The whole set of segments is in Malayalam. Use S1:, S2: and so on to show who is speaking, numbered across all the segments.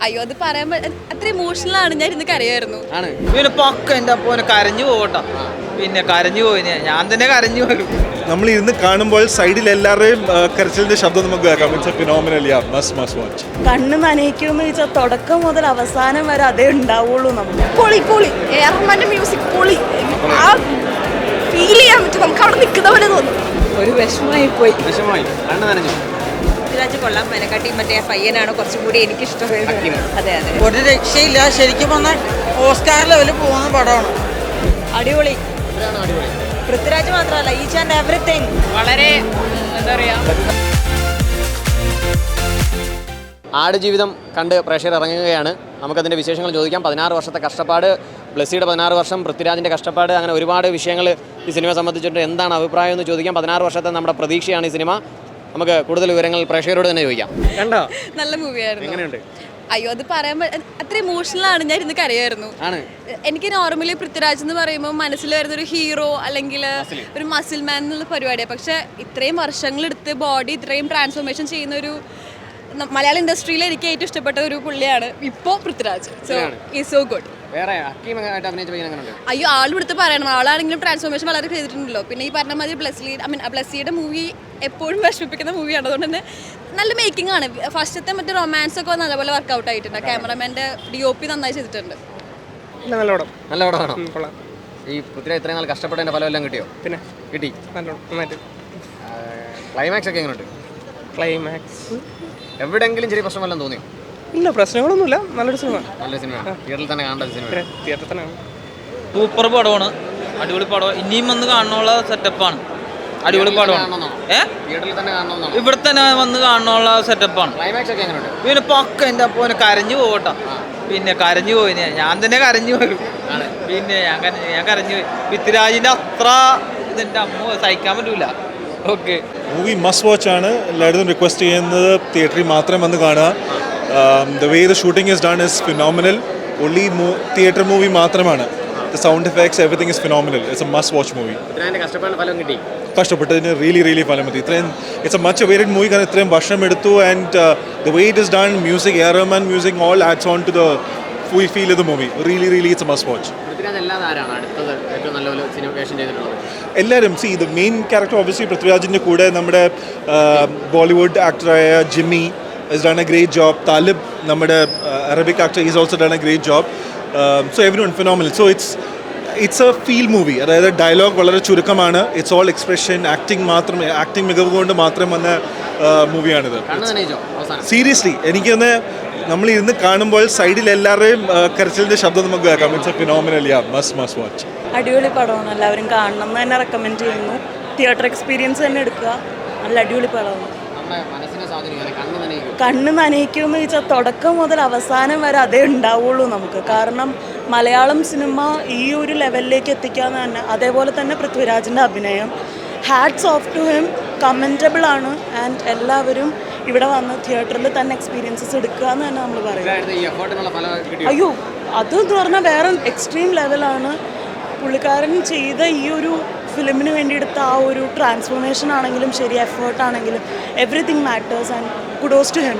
S1: അയ്യോ അത് പറയുമ്പോൾ അത്ര ഇമോഷണലാണ്. ഞാൻ ഇന്ന് കരയായിരുന്നു.
S2: ആണ് പിന്നെ പക്ക എൻ്റെ അപ്പോനെ കരഞ്ഞു പോകട്ടോ. പിന്നെ കരഞ്ഞു പോയി ഞാൻ തന്നെ കരഞ്ഞു പോലും.
S3: നമ്മൾ ഇരുന്ന് കാണുമ്പോൾ സൈഡിൽ എല്ലാവരുടെയും കരച്ചിലിന്റെ ശബ്ദം നമുക്ക് കേൾക്കാം. It's a phenomenal, yeah, must watch.
S4: കണ്ണ് നനയിക്കുമെന്ന് വെച്ചാൽ തുടക്കം മുതൽ അവസാനം വരെ അതേ ഉണ്ടാവുള്ളൂ. നമുക്ക് പൊളി പൊളി റഹ്മാന്റെ മ്യൂസിക് പൊളി. ആ ഫീൽ ചെയ്യാൻ പറ്റും, നമുക്ക് അവിടെ നിൽക്കുന്ന പോലെ തോന്നും. ഒരു വിഷമമായി പോയി.
S2: കണ്ണ് നനഞ്ഞു.
S1: പൃഥ്വിരാജ് കൊള്ളാം. മെനക്കാട്ടി മറ്റേ പയ്യനാണ് കുറച്ചും കൂടി എനിക്ക് ഇഷ്ടമായത്. അതെ അതെ,
S5: ഒരു രക്ഷയില്ല. ശരിക്കും പറഞ്ഞാൽ ഓസ്കാർ ലെവലിൽ പോകുന്ന പടമാണ്.
S1: അടിപൊളി. പൃഥ്വിരാജ് മാത്രമല്ല, ഈച്ച് ആൻഡ് എവറിത്തിങ് വളരെ എന്താ പറയാ.
S6: ആടുജീവിതം കണ്ട് പ്രേക്ഷകർ ഇറങ്ങുകയാണ്. നമുക്കതിൻ്റെ വിശേഷങ്ങൾ ചോദിക്കാം. 16 വർഷത്തെ കഷ്ടപ്പാട്, ബ്ലസ്സിയുടെ 16 വർഷം, പൃഥ്വിരാജിൻ്റെ കഷ്ടപ്പാട്, അങ്ങനെ ഒരുപാട് വിഷയങ്ങൾ ഈ സിനിമയെ സംബന്ധിച്ചിട്ട് എന്താണ് അഭിപ്രായം എന്ന് ചോദിക്കാം. 16 വർഷത്തെ നമ്മുടെ പ്രതീക്ഷയാണ് ഈ സിനിമ. നമുക്ക് കൂടുതൽ വിവരങ്ങൾ പ്രേക്ഷകരോട് തന്നെ ചോദിക്കാം.
S2: കണ്ടോ?
S1: നല്ല മൂവിയായിരുന്നു.
S2: എങ്ങനെയുണ്ട്?
S1: അയ്യോ അത് പറയുമ്പോൾ അത്ര ഇമോഷണലാണ്. ഞാൻ ഇന്ന് കരയായിരുന്നു.
S2: ആണ്
S1: എനിക്ക് നോർമലി പൃഥ്വിരാജ് എന്ന് പറയുമ്പോൾ മനസ്സിൽ വരുന്ന ഒരു ഹീറോ അല്ലെങ്കിൽ ഒരു മസിൽ മാൻ എന്നുള്ള പരിപാടിയാണ്. പക്ഷെ ഇത്രയും വർഷങ്ങളെടുത്ത് ബോഡി ഇത്രയും ട്രാൻസ്ഫോർമേഷൻ ചെയ്യുന്ന ഒരു മലയാള ഇൻഡസ്ട്രിയിൽ എനിക്ക് ഏറ്റവും ഇഷ്ടപ്പെട്ട ഒരു പുള്ളിയാണ് ഇപ്പോൾ Prithviraj. So is so good.
S6: വേറെ ഹക്കീമായിട്ട് അഭിനയിച്ച പയ്യൻ എങ്ങനെയുണ്ട്?
S1: അയ്യോ ആളെടുത്ത് പറയണം. ആളാണെങ്കിലും ട്രാൻസ്ഫോർമേഷൻ വളരെ ചെയ്തിട്ടുണ്ടല്ലോ. പിന്നെ ഈ പറഞ്ഞ മാതിരി ബ്ലസ്സിയുടെ മൂവി എപ്പോഴും വിഷമിപ്പിക്കുന്ന മൂവിയാണ്. അതുകൊണ്ട് തന്നെ നല്ല മേക്കിംഗ് ആണ്. ഫസ്റ്റത്തെ മറ്റേ റൊമാൻസ് ഒക്കെ നല്ലപോലെ വർക്കൗട്ട് ആയിട്ടുണ്ട്. ക്യാമറമാൻ്റെ DOP നന്നായി ചെയ്തിട്ടുണ്ട്.
S6: നല്ല പടമാണോ? ഈ പൃഥ്വിരാജ് ഇത്രയും നാൾ കഷ്ടപ്പെട്ടതിൻ്റെ ഫലമെല്ലാം കിട്ടിയോ?
S7: പിന്നെ
S6: കിട്ടി.
S7: നന്നായിട്ട്.
S6: ക്ലൈമാക്സ് ഒക്കെ എങ്ങനെയുണ്ട്?
S7: ക്ലൈമാക്സ്
S6: എവിടെയെങ്കിലും ചെറിയ പ്രശ്നം വല്ലതും തോന്നിയോ?
S7: ഇല്ല, പ്രശ്നങ്ങളൊന്നുമില്ല. നല്ലൊരു സിനിമ.
S6: നല്ല സിനിമ. തിയേറ്ററിൽ തന്നെ കാണേണ്ട സിനിമ.
S7: തിയേറ്ററിൽ തന്നെ
S2: സൂപ്പർ പടമാണ്. അടിപൊളി പടം. ഇനിയും വന്ന് കാണാനുള്ള സെറ്റപ്പാണ്. അടിപൊളി പടമാണ്.
S6: തിയേറ്ററിൽ തന്നെ കാണണമെന്നാണ്.
S2: ഇവിടെ തന്നെ വന്ന് കാണാനുള്ള സെറ്റപ്പാണ്.
S6: ക്ലൈമാക്സ് ഒക്കെ എങ്ങനെയുണ്ട്?
S2: പിന്നെ പക്ക എൻ്റെ അപ്പോനെ കരഞ്ഞു പോകട്ടോ. പിന്നെ കരഞ്ഞു പോയി ഞാൻ തന്നെ കരഞ്ഞു പോലും. പിന്നെ ഞാൻ കരഞ്ഞു പോയി. പൃഥ്വിരാജിൻ്റെ അത്ര ഇതെൻ്റെ അമ്മ സഹിക്കാൻ പറ്റൂല. ഓക്കെ,
S3: മൂവി മസ്റ്റ് വാച്ച് ആണ്. എല്ലായിടത്തും റിക്വസ്റ്റ് ചെയ്യുന്നത് തിയേറ്ററിൽ മാത്രം വന്ന് കാണുക. The way the shooting is done is phenomenal. Only theatre movie മാത്രമാണ്. The sound effects everything is phenomenal. It's a must watch movie.
S6: കഷ്ടപ്പാടിന് ഫലം കിട്ടി.
S3: കഷ്ടപ്പെട്ടതിന് റിയലി ഫലം മതി. ഇത്രയും it's a much awaited movie. കാരണം ഇത്രയും വർഷം എടുത്തു. And the way it is done, music, A R Rahman music, all adds on to the full feel of the movie. Really it's a must watch.
S6: Prithviraj അല്ലാതെ ആരാണ് അടുത്തത് ഏറ്റവും നല്ലൊരു സിനിമേഷൻ ചെയ്തിട്ടുള്ളത്?
S3: എല്ലാവരും ദ മെയിൻ ക്യാരക്ടർ ഒബ്വിയസ്ലി പൃഥ്വിരാജിൻ്റെ കൂടെ നമ്മുടെ ബോളിവുഡ് ആക്ടറായ Jimmy has done a great job. Talib, നമ്മുടെ Arabic actor, he's also done a great job. So everyone phenomenal. So it's a feel movie. അതായത് ഡയലോഗ് വളരെ ചുരുക്കമാണ്. ഇറ്റ്സ് ഓൾ എക്സ്പ്രഷൻ, ആക്ടിങ് മികവ് കൊണ്ട് മാത്രം വന്ന മൂവിയാണിത്. സീരിയസ്ലി എനിക്കൊന്ന് നമ്മൾ ഇരുന്ന് കാണുമ്പോൾ സൈഡിൽ എല്ലാവരുടെയും കരച്ചിലിൻ്റെ ശബ്ദം നമുക്ക് കേൾക്കാം. It's a phenomenal, yeah, must watch.
S4: അടിപൊളി പടമാണ്. എല്ലാവരും കാണണം എന്ന് തന്നെ റെക്കമെൻഡ് ചെയ്യുന്നു. തിയേറ്റർ എക്സ്പീരിയൻസ് തന്നെ എടുക്കുക. നല്ല അടിപൊളി പടമാണ്. കണ്ണ് നനയിക്കുമെന്ന് വെച്ചാൽ തുടക്കം മുതൽ അവസാനം വരെ അതേ ഉണ്ടാവുള്ളൂ നമുക്ക്. കാരണം മലയാളം സിനിമ ഈ ഒരു ലെവലിലേക്ക് എത്തിക്കാന്ന് തന്നെ, അതേപോലെ തന്നെ പൃഥ്വിരാജിൻ്റെ അഭിനയം, hats off to him, commendable ആണ്. ആൻഡ് എല്ലാവരും ഇവിടെ വന്ന് തിയേറ്ററിൽ തന്നെ എക്സ്പീരിയൻസസ് എടുക്കുക എന്ന് തന്നെ നമ്മൾ പറയും. അയ്യോ അത് എന്ന് പറഞ്ഞാൽ വേറെ എക്സ്ട്രീം ലെവലാണ്. പുള്ളിക്കാരൻ ചെയ്ത ഈ ഒരു ഫിലിമിന് വേണ്ടി എടുത്ത ആ ഒരു ട്രാൻസ്ഫോർമേഷൻ ആണെങ്കിലും ശരി, എഫേർട്ടാണെങ്കിലും everything matters and kudos to him.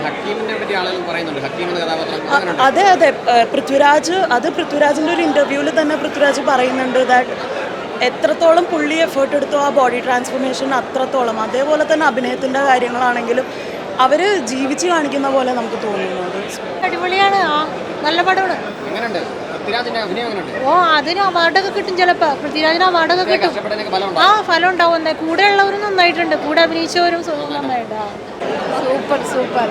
S4: അതെ പൃഥ്വിരാജിൻ്റെ ഒരു ഇൻ്റർവ്യൂവിൽ തന്നെ പൃഥ്വിരാജ് പറയുന്നുണ്ട് ദാറ്റ് എത്രത്തോളം പുള്ളി എഫേർട്ട് എടുത്തോ ആ ബോഡി ട്രാൻസ്ഫോർമേഷൻ അത്രത്തോളം. അതേപോലെ തന്നെ അഭിനയത്തിൻ്റെ കാര്യങ്ങളാണെങ്കിലും അവർ ജീവിച്ച് കാണിക്കുന്ന പോലെ നമുക്ക് തോന്നുന്നത്.
S8: അടിപൊളിയാണ്. നല്ല പടമാണ്. ഓ അതിന് അവാർഡൊക്കെ കിട്ടും ചിലപ്പോൾ. പൃഥ്വിരാജിന് അവാർഡൊക്കെ കിട്ടും. ഫലം ഉണ്ടാവും. എന്താ കൂടെ ഉള്ളവരും നന്നായിട്ടുണ്ട്, കൂടെ അഭിനയിച്ചവരും നന്നായിട്ട്. സൂപ്പർ.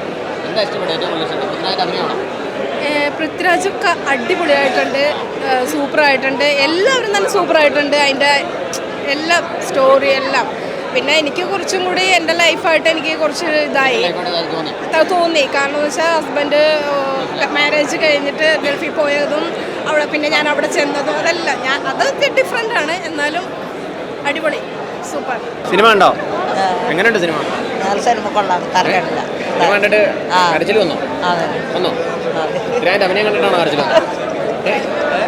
S1: പൃഥ്വിരാജ് അടിപൊളിയായിട്ടുണ്ട്, സൂപ്പറായിട്ടുണ്ട്. എല്ലാവരും തന്നെ സൂപ്പറായിട്ടുണ്ട്. അതിൻ്റെ എല്ലാ സ്റ്റോറി എല്ലാം. പിന്നെ എനിക്ക് കുറച്ചും കൂടി എൻ്റെ ലൈഫായിട്ട് എനിക്ക് കുറച്ച് ഇതായി തോന്നി. കാരണം എന്ന് വെച്ചാൽ ഹസ്ബൻഡ് മാരേജ് കഴിഞ്ഞിട്ട് ഗൾഫിൽ പോയതും അവിടെ പിന്നെ ഞാൻ അവിടെ ചെന്നതും അതെല്ലാം അതൊക്കെ ഡിഫറെൻ്റ് ആണ്. എന്നാലും അടിപൊളി, സൂപ്പർ.
S6: സിനിമ ഉണ്ടോ? എങ്ങനെയുണ്ട് സിനിമ?
S5: സിനിമ കൊള്ളാം. കരകണ്ടില്ല.
S6: സിനിമ കണ്ടിട്ട് കരച്ചിൽ വന്നോ? പൃഥ്വിരാജിന്റെ അഭിനയം കണ്ടിട്ടാണോ കരച്ചിൽ വന്നത്?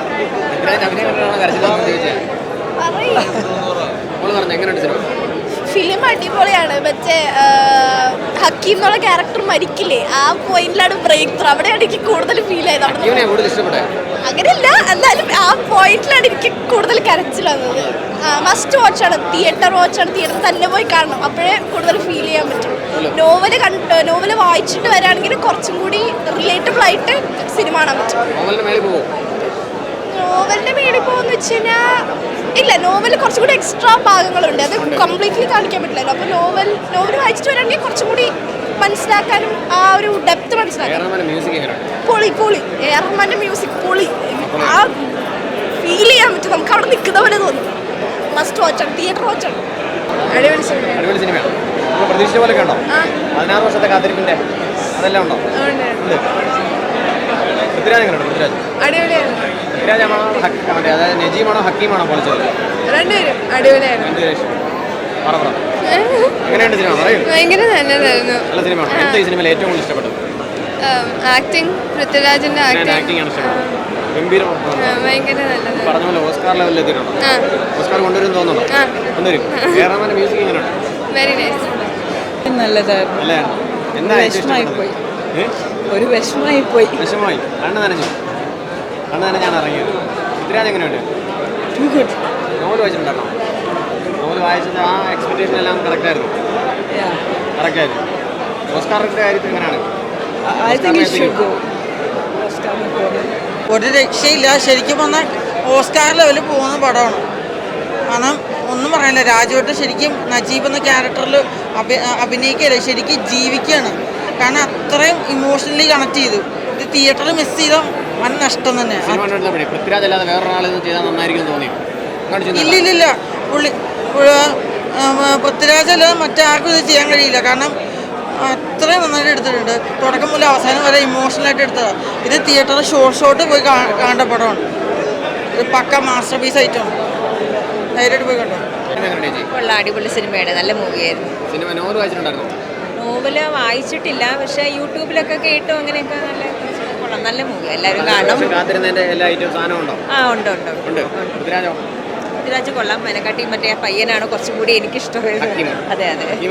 S6: പൃഥ്വിരാജിന്റെ അഭിനയം കണ്ടിട്ടാണോ കരച്ചിൽ വന്നത് ചോദിച്ചത്? പറഞ്ഞു എങ്ങനെയുണ്ട് സിനിമ?
S1: ഫിലിം അടിപൊളിയാണ്. മറ്റേ ഹക്കീം എന്നുള്ള ക്യാരക്ടർ മരിക്കില്ലേ, ആ പോയിന്റിലാണ് ബ്രേക്ക് ത്രൂ. അവിടെയാണ് എനിക്ക് കൂടുതൽ ഫീൽ ആയത്. അങ്ങനെയല്ല, എന്നാലും ആ പോയിന്റിലാണ് എനിക്ക് കൂടുതൽ കരച്ചിൽ വന്നത്. മസ്റ്റ് വാച്ചാണ്, തിയേറ്റർ തന്നെ പോയി കാണണം, അപ്പോഴേ കൂടുതൽ ഫീൽ ചെയ്യാൻ പറ്റും. നോവല് വായിച്ചിട്ട് വരാണെങ്കിൽ കുറച്ചും കൂടി റിലേറ്റബിൾ ആയിട്ട് സിനിമ കാണാൻ പറ്റും. നോവലിന്റെ മേളിൽ പോകുന്ന വെച്ച് കഴിഞ്ഞാൽ ഇല്ല, നോവൽ കുറച്ചും കൂടി എക്സ്ട്രാ ഭാഗങ്ങളുണ്ട്, അത് കംപ്ലീറ്റ്ലി കാണിക്കാൻ പറ്റില്ലല്ലോ. അപ്പോൾ നോവൽ വായിച്ചിട്ട് വരാണെങ്കിൽ കുറച്ചും കൂടി മനസ്സിലാക്കാനും ആ ഒരു ഡെപ്ത് മനസ്സിലാക്കാനും പൊളി എ ആർ റഹ്മാന്റെ മ്യൂസിക് പൊളി. ആ ഫീൽ ചെയ്യാൻ പറ്റും, നമുക്ക് അവിടെ നിൽക്കുന്ന പോലെ തോന്നും. മസ്റ്റ് വാച്ചാണ്, തിയേറ്റർ വാച്ചാണ്. അടിപൊളി
S6: സിനിമയാണ്. പ്രതീക്ഷിച്ച പോലെ ഉണ്ടോ? 16 വർഷത്തെ കാത്തിരിപ്പിന്റെ അതെല്ലാം ഉണ്ടോ? പൃഥ്വിരാജ് എങ്ങനെയുണ്ട്?
S1: അടിപൊളിയാണ്.
S6: പൃഥ്വിരാജാണോ അതായത് നജീമാണോ ഹക്കീമാണോ പൊളിച്ചത്?
S1: രണ്ടുപേരും അടിപൊളിയായിരുന്നു.
S6: എങ്ങനെയുണ്ട് സിനിമ? പറയൂ.
S1: ഭയങ്കര നല്ലതായിരുന്നു.
S6: നല്ല സിനിമയാണ്. എന്താ ഈ സിനിമയിൽ ഏറ്റവും കൂടുതൽ ഇഷ്ടപ്പെട്ടത്?
S1: ആക്ടിങ്, പൃഥ്വിരാജിന്റെ
S6: ആക്ടിംഗ് ആണ് ഇഷ്ടപ്പെട്ടത്. ഗംഭീര
S1: ഭയങ്കര നല്ലത്.
S6: പറഞ്ഞ പോലെ ഓസ്കാർ ലെവലിൽ എത്തിയിട്ടുണ്ടോ? ഓസ്കാർ കൊണ്ടുവരും തോന്നുന്നുണ്ടോ? കൊണ്ടുവരും. കേരളത്തിന്റെ മ്യൂസിക് എങ്ങനെയുണ്ട്?
S1: Very nice.
S4: നല്ലതായിരുന്നു.
S6: നല്ലതാണ്. എന്താ
S4: വിഷമായി പോയി.
S6: വിഷമമായി. കണ്ണ് നനഞ്ഞാണ് ഇറങ്ങിയത്. പൃഥ്വിരാജ് എങ്ങനെയുണ്ട്? നോവൽ വായിച്ചിട്ടുണ്ടായിരുന്നോ? നോവൽ വായിച്ചത് ആ എക്സ്പെക്ടേഷൻ എല്ലാം കറക്റ്റായിരുന്നു. ഓസ്കാറിന്റെ കാര്യത്തിൽ എങ്ങനെയാണ്?
S5: ഒരു രക്ഷയില്ല. ശരിക്കും പറഞ്ഞാൽ ഓസ്കാർ ലെവലിൽ പോകുന്ന പടമാണ്. കാരണം ഒന്നും പറയാനില്ല, രാജുവേട്ടൻ ശരിക്കും നജീബ് എന്ന ക്യാരക്ടറിൽ അഭിനയിക്കുകയല്ല, ശരിക്കും ജീവിക്കുകയാണ്. കാരണം അത്രയും ഇമോഷണലി കണക്ട് ചെയ്തു. ഇത് തിയേറ്ററിൽ മിസ് ചെയ്ത വൻ നഷ്ടം തന്നെ.
S6: പൃഥ്വിരാജ് അല്ലാതെ വേറൊരാൾ ചെയ്താൽ നന്നായിരിക്കും തോന്നി?
S5: ഇല്ലില്ല, പൃഥ്വിരാജ് അല്ലാതെ മറ്റാർക്കും ഇത് ചെയ്യാൻ കഴിയില്ല. കാരണം അത്രയും നന്നായിട്ട് എടുത്തിട്ടുണ്ട്. തുടക്കം മുതൽ അവസാനം വരെ ഇമോഷണലായിട്ട് എടുത്തതാണ്. ഇത് തിയേറ്ററിൽ ഷോട്ട് പോയി കാണേണ്ട പടമാണ്. ഇത് പക്ക മാസ്റ്റർ പീസ് ആയിട്ടാണ്. ധൈര്യമായിട്ട് പോയി കണ്ടോ.
S8: അടിപൊളി സിനിമയാണ്, നല്ല മൂവിയായിരുന്നു. നോവല് വായിച്ചിട്ടില്ല, പക്ഷെ യൂട്യൂബിലൊക്കെ കേട്ടു, അങ്ങനെയൊക്കെ നല്ല മൂവി. എല്ലാവരും കാണണം. പൃഥ്വിരാജ് കൊള്ളാം. മെനക്കാട്ടി മറ്റേ പയ്യനാണ് കുറച്ചും കൂടി എനിക്കിഷ്ടമായത്. അതെ.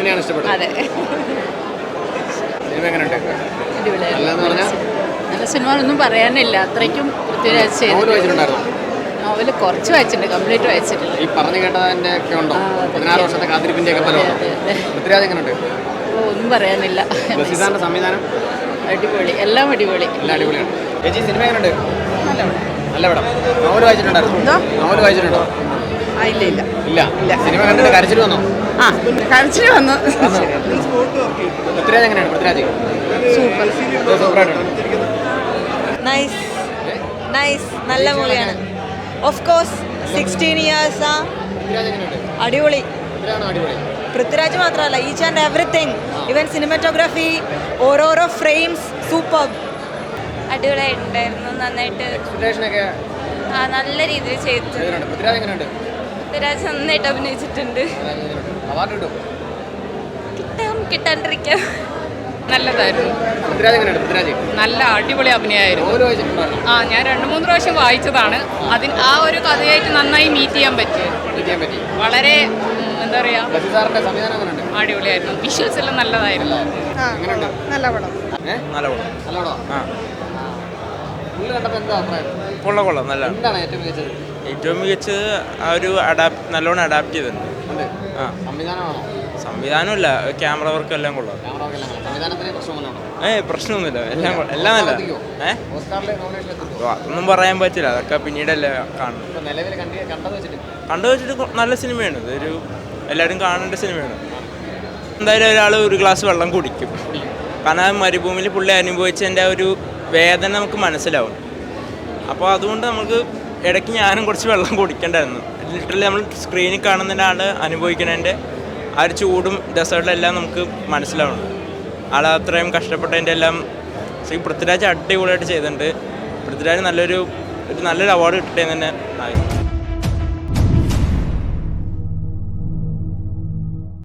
S1: നല്ല സിനിമ ഒന്നും പറയാനില്ല, അത്രയ്ക്കും പൃഥ്വിരാജ് ചെയ്തു. നോവല് കുറച്ച് വായിച്ചിട്ടുണ്ട്, കംപ്ലീറ്റ് വായിച്ചിട്ടില്ല.
S6: ഈ പറഞ്ഞു കേട്ടതിന്റെ ഒക്കെ ഉണ്ടോ? 16 വർഷത്തെ കാത്തിരിപ്പിന്റെ ഒക്കെ ഫലം. പൃഥ്വിരാജ് എങ്ങനെയുണ്ട്?
S1: ഒന്നും പറയാനില്ല.
S6: സംവിധാനം
S1: അടിപൊളി, എല്ലാം അടിപൊളി.
S6: എല്ലാം അടിപൊളിയാണ്. ചേച്ചി സിനിമ എങ്ങനെയുണ്ട്? നല്ല പടം. നോവൽ വായിച്ചിട്ടുണ്ടായിരുന്നു? നോവൽ വായിച്ചിട്ടുണ്ടോ? ഇല്ല. സിനിമ കണ്ടിട്ട് കരച്ചിൽ വന്നോ?
S1: കരച്ചിൽ വന്നു.
S6: പൃഥ്വിരാജ് എങ്ങനെയാണ്? പൃഥ്വിരാജ് സൂപ്പറായിട്ടുണ്ട്.
S8: നൈസ്, നല്ല മൂവിയാണ്. Of course 16 years. അടിപൊളി. പൃഥ്വിരാജ് മാത്രമല്ല, each and everything, even cinematography, ഓരോരോ ഫ്രെയിംസ് സൂപ്പർ.
S1: അടിപൊളിയായിട്ടുണ്ടായിരുന്നു, നന്നായിട്ട് നല്ല രീതിയിൽ ചെയ്തു. പൃഥ്വിരാജ് നന്നായിട്ട് അഭിനയിച്ചിട്ടുണ്ട്. കിട്ടാണ്ടിരിക്കാം. നല്ലതായിരുന്നു. നല്ല അടിപൊളി അഭിനയമായിരുന്നു. ഞാൻ 2-3 പ്രാവശ്യം വായിച്ചതാണ്. ആ ഒരു കഥയായിട്ട് നന്നായി മീറ്റ് ചെയ്യാൻ പറ്റി. വളരെ എന്താ പറയാ, അടിപൊളിയായിരുന്നു. വിഷ്വൽസ് എല്ലാം നല്ലതായിരുന്നു.
S5: നല്ല പടം.
S9: കൊള്ളാം. നല്ല ഏറ്റവും മികച്ചത് ആ ഒരു നല്ലോണം അഡാപ്റ്റ് ചെയ്തിട്ടുണ്ട്. സംവിധാനമില്ല, ക്യാമറ വർക്ക് എല്ലാം കൊള്ളാം. പ്രശ്നമൊന്നുമില്ല, എല്ലാം നല്ല. അതൊന്നും പറയാൻ പറ്റില്ല, അതൊക്കെ പിന്നീടല്ലേ കാണും. കണ്ടു വെച്ചിട്ട് നല്ല സിനിമയാണ്. ഇതൊരു എല്ലാവരും കാണേണ്ട സിനിമയാണ്. എന്തായാലും ഒരാൾ ഒരു ഗ്ലാസ് വെള്ളം കുടിക്കും. കാരണം മരുഭൂമിയിൽ പുള്ളി അനുഭവിച്ചതിൻ്റെ ഒരു വേദന നമുക്ക് മനസ്സിലാവും. അപ്പോൾ അതുകൊണ്ട് നമുക്ക് ഇടയ്ക്ക് ഞാനും കുറച്ച് വെള്ളം കുടിക്കേണ്ടായിരുന്നു. ലിറ്ററലി നമ്മൾ സ്ക്രീനിൽ കാണുന്നതിൻ്റെ ആൾ അനുഭവിക്കുന്നതിൻ്റെ ആ ഒരു ചൂടും ഡെസേർട്ടിലെല്ലാം നമുക്ക് മനസ്സിലാവുന്നുണ്ട്. ആൾ അത്രയും കഷ്ടപ്പെട്ടതിൻ്റെ എല്ലാം പൃഥ്വിരാജ് അടിപൊളിയായിട്ട് ചെയ്തിട്ടുണ്ട്. പൃഥ്വിരാജ് നല്ലൊരു അവാർഡ് കിട്ടേന്ന് തന്നെ ആയിരുന്നു.